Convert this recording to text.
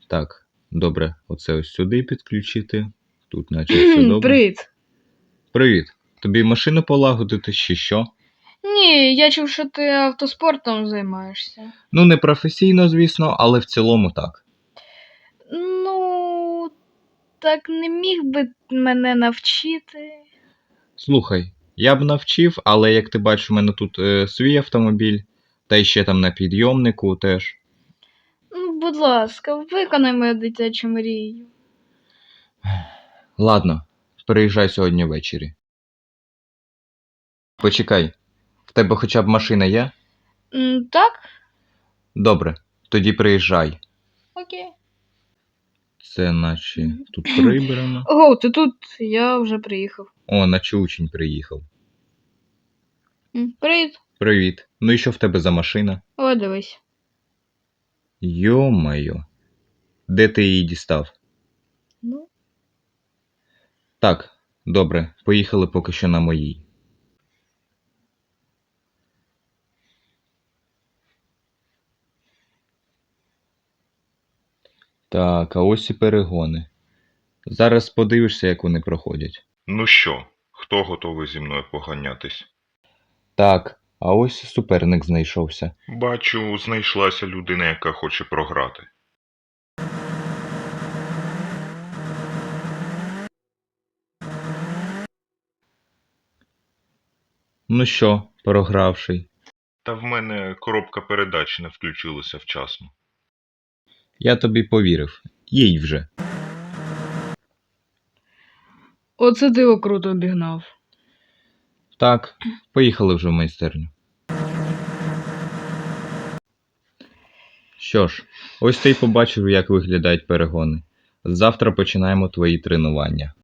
Так, добре, оце ось сюди підключити. Тут наче все добре. Привіт. Привіт. Тобі машину полагодити чи що? Ні, я чув, що ти автоспортом займаєшся. Ну, не професійно, звісно, але в цілому так. Ну, так не міг би мене навчити. Слухай, я б навчив, але як ти бачиш, у мене тут свій автомобіль, та й ще там на підйомнику теж. Ну, будь ласка, виконай мою дитячу мрію. Ладно, приїжджай сьогодні ввечері. Почекай, в тебе хоча б машина є? Так? Добре, тоді приїжджай. Окей. Це наче тут прибрано. Ого, ти тут, я вже приїхав. О, наче учень приїхав. Привіт. Привіт. Ну і що в тебе за машина? О, дивись. Йо-майо. Де ти її дістав? Ну. Так, добре, поїхали поки що на моїй. Так, а ось і перегони. Зараз подивишся, як вони проходять. Ну що, хто готовий зі мною поганятись? Так, а ось і суперник знайшовся. Бачу, знайшлася людина, яка хоче програти. Ну що, програвший? Та в мене коробка передач не включилася вчасно. Я тобі повірив. Їй вже. Оце ти круто обігнав. Так, поїхали вже в майстерню. Що ж, ось ти й побачив, як виглядають перегони. Завтра починаємо твої тренування.